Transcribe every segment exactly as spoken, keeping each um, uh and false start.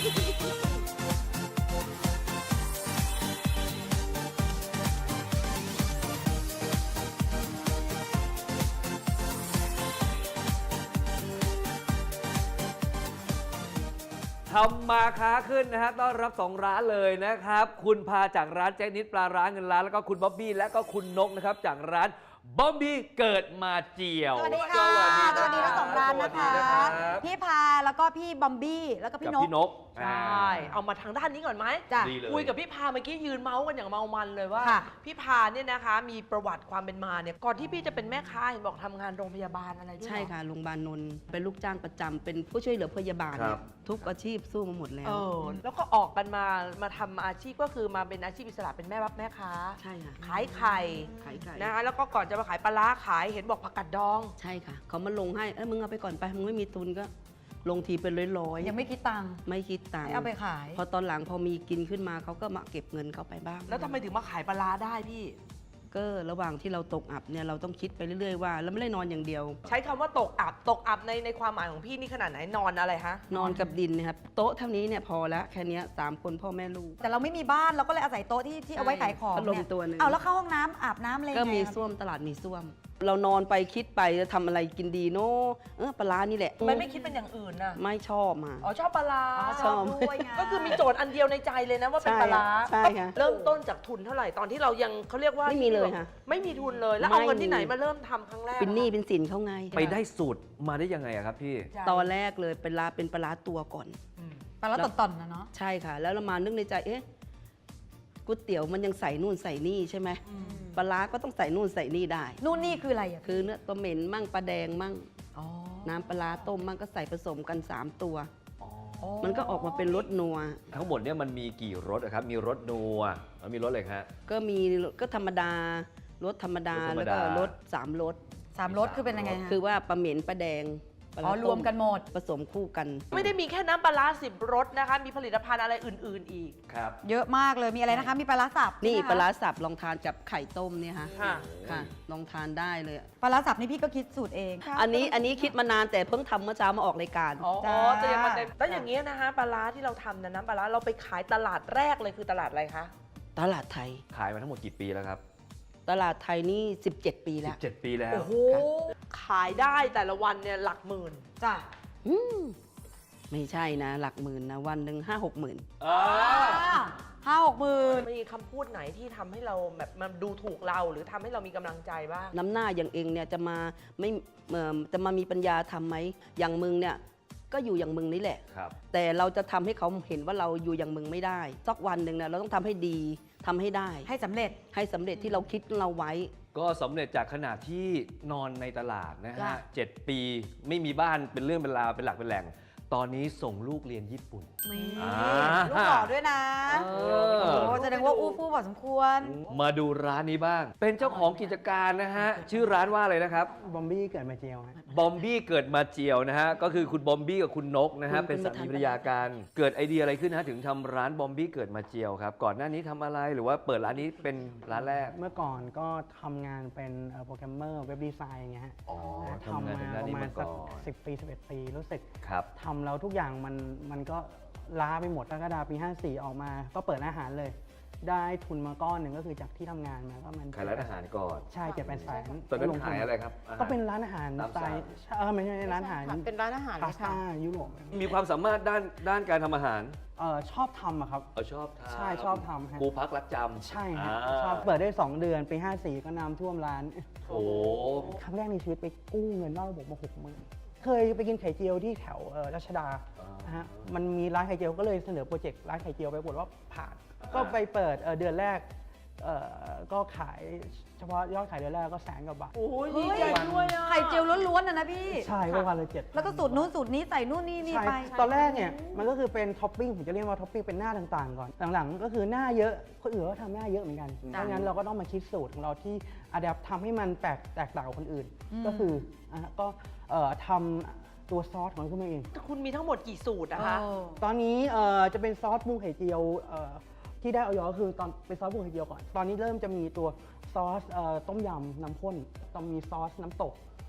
ทำมาค้าขึ้นนะฮะต้อนรับสองร้านเลยนะครับคุณพาจากร้านแจ็คนิดปลาร้าเงินล้านแล้วก็คุณบ๊อบบี้และก็คุณนกนะครับจากร้านบ๊อบบี้เกิดมาเจียวสวัสดีค่ะสวัสดีทั้งสองร้านนะคะพี่พาแล้วก็พี่บอมบี้แล้วก็พี่นกพี่นกใช่เอามาทางด้านนี้ก่อนไหมคุยกับพี่พาเมื่อกี้ยืนเมาส์กันอย่างเมามันเลยว่าพี่พาเนี่ยนะคะมีประวัติความเป็นมาเนี่ยก่อนที่พี่จะเป็นแม่ค้าเห็นบอกทำงานโรงพยาบาลอะไรด้วยใช่ค่ะโรงพยาบาลนนท์เป็นลูกจ้างประจำเป็นผู้ช่วยเหลือพยาบาลทุกอาชีพสู้มาหมดแล้วเออแล้วก็ออกกันมามาทำอาชีพก็คือมาเป็นอาชีพอิสระเป็นแม่รับแม่ค้าใช่ค่ะขายไข่ขายไข่นะคะแล้วก็ก่อนจะมาขายปลาร้าขายเห็นบอกผักกาดดองใช่ค่ะเขามาลงให้เอ้ยมึงเอาไปก่อนไปมึงไม่มีทุนก็ลงทีเป็นร้อยๆยังไม่คิดตังค์ไม่คิดตังค์เอาไปขายพอตอนหลังพอมีกินขึ้นมาเขาก็มาเก็บเงินเขาไปบ้างแล้วทำไมถึงมาขายปลาร้าได้พี่ก็ระหว่างที่เราตกอับเนี่ยเราต้องคิดไปเรื่อยๆว่าเราไม่ได้นอนอย่างเดียวใช้คำว่าตกอับตกอับในในความหมายของพี่นี่ขนาดไหนนอนอะไรฮะนอนกับดินนะครับโต๊ะเท่านี้เนี่ยพอแล้วแค่นี้สามคนพ่อแม่ลูกแต่เราไม่มีบ้านเราก็เลยอาศัยโต๊ะที่ที่เอาไว้ขายของพัดลมตัวนึงเอาแล้วเข้าห้องน้ำอาบน้ำเลยก็มีส้วมตลาดมีส้วมเรานอนไปคิดไปจะทำอะไรกินดีเนาะเออปลาร้านี่แหละไม่ไม่คิดเป็นอย่างอื่นน่ะไม่ชอบมาอ๋อชอบปลาร้าชอบด้วยไงก็คือมีโจทย์อันเดียวในใจเลยนะว่าเป็นปลาร้าใช่ค่ะเริ่มต้นจากทุนเท่าไหร่ตอนที่เรายังเขาเรียกว่าไม่มีเลยค่ะไม่มีทุนเลยแล้วเอาเงินที่ไหนมาเริ่มทำครั้งแรกเป็นหนี้เป็นสินเขาไงไปได้สูตรมาได้ยังไงครับพี่ตอนแรกเลยเป็นปลาเป็นปลาตัวก่อนปลาร้าต่อนๆนะเนาะใช่ค่ะแล้วเรามานึกในใจเอ๊ะก๋วยเตี๋ยวมันยังใส่นู่นใส่นี่ใช่ไหมปลาร้าก็ต้องใส่นู่นใส่นี่ได้นู่นนี่คืออะไรอ่ะคือเนื้อตัวเหม็นมั่งปลาแดงมั่งน้ำปลาต้มมั่งก็ใส่ผสมกันสามตัวมันก็ออกมาเป็นรสนัวทั้งหมดเนี่ยมันมีกี่รสครับมีรสนัวแล้วมีรสอะไรครับก็มีก็ธรรมดารสธรรมดาแล้วก็รสสามรสสามรสคือเป็นยังไงคือว่าปลาเหม็นปลาแดงอ๋อรวมกันหมดผสมคู่กันไม่ได้มีแค่น้ำปลาสิบรสนะคะมีผลิตภัณฑ์อะไรอื่นๆอีกครับเยอะมากเลยมีอะไรนะคะมีปลาร้าสับนี่ปลาร้าสับลองทานกับไข่ต้มเนี่ยค่ะค่ะค่ะลองทานได้เลยปลาร้าสับนี่พี่ก็คิดสูตรเองอันนี้อันนี้คิดมานานแต่เพิ่งทำเมื่อเช้ามาออกรายการอ๋อจะยังมาเต็มแล้วอย่างเงี้ยนะคะปลาร้าที่เราทำนะน้ำปลาร้าเราไปขายตลาดแรกเลยคือตลาดอะไรคะตลาดไทยขายมาทั้งหมดกี่ปีแล้วครับตลาดไทยนี่สิบเจ็ดปีแล้วสิบเจ็ดปีแล้วโอ้โหขายได้แต่ละวันเนี่ยหลักหมื่นจ้ะอืมไม่ใช่นะหลักหมื่นนะวันหนึ่งห้าหกหมื่นห้าหกหมื่นมีคำพูดไหนที่ทำให้เราแบบมันดูถูกเราหรือทำให้เรามีกำลังใจบ้างน้ำหน้าอย่างเองเนี่ยจะมาไม่จะมามีปัญญาทำไหมอย่างมึงเนี่ยก็อยู่อย่างมึงนี่แหละแต่เราจะทำให้เขาเห็นว่าเราอยู่อย่างมึงไม่ได้สักวันหนึ่งเนี่ยเราต้องทำให้ดีทำให้ได้ให้สำเร็จให้สำเร็จที่เราคิดเราไว้ก็สำเร็จจากขนาดที่นอนในตลาดนะฮะเจ็ดปีไม่มีบ้านเป็นเรื่องเป็นราวเป็นหลักเป็นแหล่งตอนนี้ส่งลูกเรียนญี่ปุ่นลูกหล่อด้วยนะโอ้แสดงว่าอู้ฟู่พอสมควรมาดูร้านนี้บ้างเป็นเจ้าของกิจการนะฮะชื่อร้านว่าอะไรนะครับบอมบี้เกิดมาเจียวบอมบี้เกิดมาเจียวนะฮะก็คือคุณบอมบี้กับคุณนกนะฮะเป็นสามีภรรยากันเกิดไอเดียอะไรขึ้นนะฮะถึงทำร้านบอมบี้เกิดมาเจียวครับก่อนหน้านี้ทำอะไรหรือว่าเปิดร้านนี้เป็นร้านแรกเมื่อก่อนก็ทำงานเป็นโปรแกรมเมอร์เว็บดีไซน์อย่างเงี้ยฮะทำมาประมาณสักสิบปีสิบเอ็ดปีรู้สึกทำแล้วทุกอย่างมันมันก็ล้าไปหมดกรกฎาคมปีห้าสี่ออกมาก็เปิดอาหารเลยได้ทุนมาก้อนหนึ่งก็คือจากที่ทำงานมาก็มันขายร้านอาหารก่อนใช่เจ็ดแปดแสนตอนนั้นขายอะไรครับก็เป็นร้านอาหารสไตล์เออไม่ใช่ร้านอาหารเป็นร้านอาหารพาสต้ายุโรปมีความสามารถด้านด้านการทำอาหารเออชอบทำอะครับเออชอบทำใช่ชอบทำครูพักรักจำใช่ครับชอบเปิดได้สองเดือนปีห้าสี่ก็น้ำท่วมร้านโอ้ครั้งแรกในชีวิตไปกู้เงินนอกระบบมาหกหมื่นเคยไปกินไข่เจียวที่แถวรัชดานะฮะมันมีร้านไข่เจียวก็เลยเสนอโปรเจกต์ร้านไข่เจียวไปปรากฏว่าผ่านก็ไปเปิดเดือนแรกก็ขายเฉพาะยอดขายเดือนแรกก็แสนกว่าบาทโอ้ยดีใจด้วยอ่ะไข่เจียวล้วนๆนะนะพี่ใช่ประมาณเลยเจ็ดแล้วก็สูตรนู้นสูตรนี้ใส่นู่นนี่นี่ไปตอนแรกเนี่ยมันก็คือเป็นท็อปปิ้งผมจะเรียกว่าท็อปปิ้งเป็นหน้าต่างๆก่อนหลังๆก็คือหน้าเยอะคนอื่นก็ทำหน้าเยอะเหมือนกันเพราะงั้นเราก็ต้องมาคิดสูตรของเราที่อะแดปทำให้มันแตกแตกต่างกับคนอื่นก็คือก็ทำตัวซอสของคุณเองคุณมีทั้งหมดกี่สูตรนะคะตอนนี้จะเป็นซอสปรุงไข่เจียวที่ได้ออยก็คือตอนเป็นซอสปรุงไข่เจียวก่อนตอนนี้เริ่มจะมีตัวซอสต้มยำน้ำข้นต้องมีซอสน้ำตก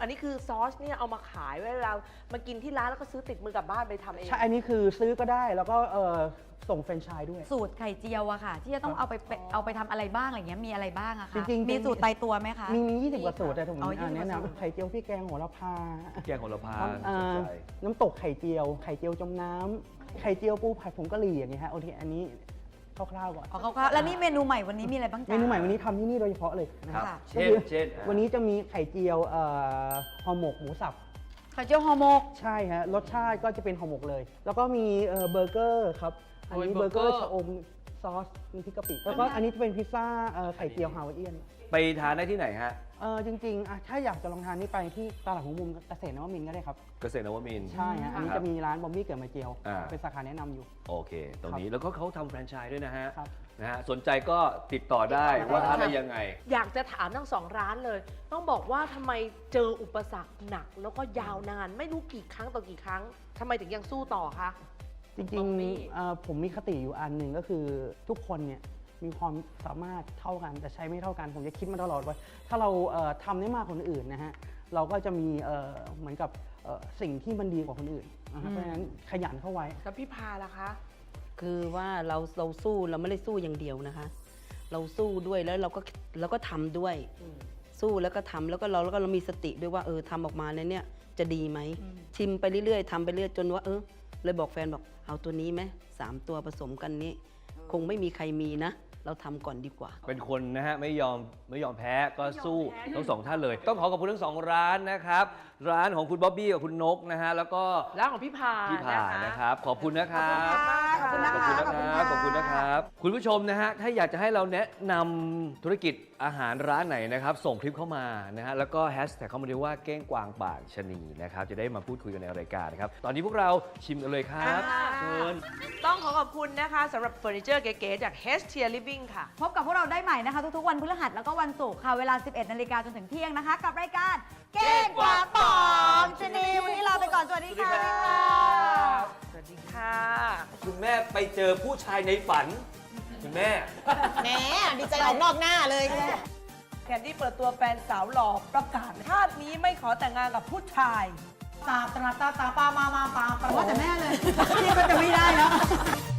อันนี้คือซอสเนี่ยเอามาขายเวลามากินที่ร้านแล้วก็ซื้อติดมือกลับบ้านไปทำเองใช่ อันนี้คือซื้อก็ได้แล้วก็เอ่อส่งแฟรนไชส์ด้วยสูตรไข่เจียวอะค่ะ ที่จะต้องเอาไปเป็นเอาไปทำอะไรบ้างอะไรเงี้ยมีอะไรบ้างอะคะจริงๆมีสูตรตายตัวไหมคะมีมียี่สิบกว่าสูตรแต่ผมอ๋ออ่ายี่สิบแนะกว่าสูตรนำไข่เจียวพี่แกงโหระพาแกงโหระพาเอ่สนอใจน้ำตกไข่เจียว ไข่เจียวจมน้ำไข่เจียวปูผัดผงกะหรี่อย่างเงี้ยฮะโอเคอันนี้คร่าวๆก่อนอ๋อเขาก็แล้วนี่เมนูใหม่วันนี้มีอะไรบ้างเมจ๊ะนูใหม่วันนี้ทำที่นี่โดยเฉพาะเลยนะคครัรับบค่ะเช่นก็คือเช่นอ่ะวันนี้จะมีไข่เจียวเอ่อห่อหมกหมูสับไข่เจียวห่อหมกใช่ฮะรสชาติก็จะเป็นห่อหมกเลย แล้วก็มีเอ่อเบอร์เกอร์ครับอันนี้โอ้ยเบอร์เกอร์เบอร์เกอร์ชะอมซอสมีพริกกะปิแล้วก็อันนี้จะเป็นพิซซ่าเอ่อไข่เจียวฮาวายเอียนไปทานได้ที่ไหนฮะเออจริงๆอ่ะถ้าอยากจะลองทานนี่ไปที่ตลาดหัวมุมเกษตรนวมินทร์ก็ได้ครับเกษตรนวมินทร์ใช่ฮะอันนี้ครับจะมีร้านบอมบี้เกิดมาเจียวอ่าเป็นสาขาแนะนำอยู่โอเค ตรงนี้แล้วก็เขาทำแฟรนไชส์ด้วยนะฮะครับนะฮะ สนใจก็ติดต่อได้ว่าทานได้ยังไงอยากจะถามทั้งสองร้านเลย ต้องบอกว่าทำไมเจออุปสรรคหนัก แล้วก็ยาวนาน ไม่รู้กี่ครั้งต่อกี่ครั้งทำไมถึงยังสู้ต่อคะจริงบอมบี้ๆเอ่อผมมีคติอยู่อันหนึ่งก็คือทุกคนเนี่ยมีความสามารถเท่ากันแต่ใช้ไม่เท่ากัน ผมจะคิดมาตลอดว่าถ้าเราเอ่อทำได้มากกว่าคนอื่นนะฮะเราก็จะมีเอ่อเหมือนกับเอ่อสิ่งที่มันดีกว่าคนอื่นนะครับเพราะฉะนั้นขยันเข้าไว้แล้วพี่พาล่ะคะคือว่าเราเราสู้เราไม่ได้สู้อย่างเดียวนะคะ เราสู้ด้วยแล้วเราก็เราก็ทำด้วย สู้แล้วก็ทำแล้วก็เราแล้วก็เรามีสติด้วยว่าเออทำออกมาในเนี้ยจะดีไหมอืมชิมไปเรื่อยๆทำไปเรื่อยจนว่าเออเลยบอกแฟนบอกเอาตัวนี้ไหมสามตัวผสมกันนี้ คงไม่มีใครมีนะ เราทำก่อนดีกว่าเป็นคนนะฮะไม่ยอมไม่ยอมแพ้ก็สู้ทั้งสองท่านเลย ต้องขอขอบคุณทั้งสองร้านนะครับ ร้านของคุณบ๊อบบี้กับคุณนกนะฮะแล้วก็ร้านของพี่พาพี่ผ่านะคะนะครับ ขอบคุณนะครับขอบคุณนะขอบคะคุณนะครับ ขอบคุณนะครับ คุณผู้ชมนะฮะ ถ้าอยากจะให้เราแนะนำธุรกิจอาหารร้านไหนนะครับ ส่งคลิปเข้ามานะฮะ แล้วก็แฮชแท็กเข้ามาด้วยว่าเก้งกวางป่านชะนีนะครับ จะได้มาพูดคุยกันในรายการนะครับ ตอนนี้พวกเราชิมกันเลยครับอ่าเชิญต้องขอขอบคุณนะคะสำหรับเฟอร์นิเจอร์เก๋ๆจาก H Tier Living ค่ะพบกับพวกเราได้ใหม่นะคะ ทุกๆวันพฤหัสแล้วก็วันศุกร์ค่ะเวลา สิบเอ็ดนาฬิกาจนถึงเที่ยงนะคะ กับรายการเก้งกวางป่องชะนีวันนี้ลาไปก่อนสวัสดีค่ะสวัสดีค่ะคุณแม่ไปเจอผู้ชายในฝัน คุณแม่แหมดีใจออกนอกหน้าเลยแคนดี้เปิดตัวแฟนสาวหล่อประกาศชาตินี้ไม่ขอแต่งงานกับผู้ชายตาตาตาตาปามามาปาปาว่าแต่แม่เลย พี่ก็จะไม่ได้แล้ว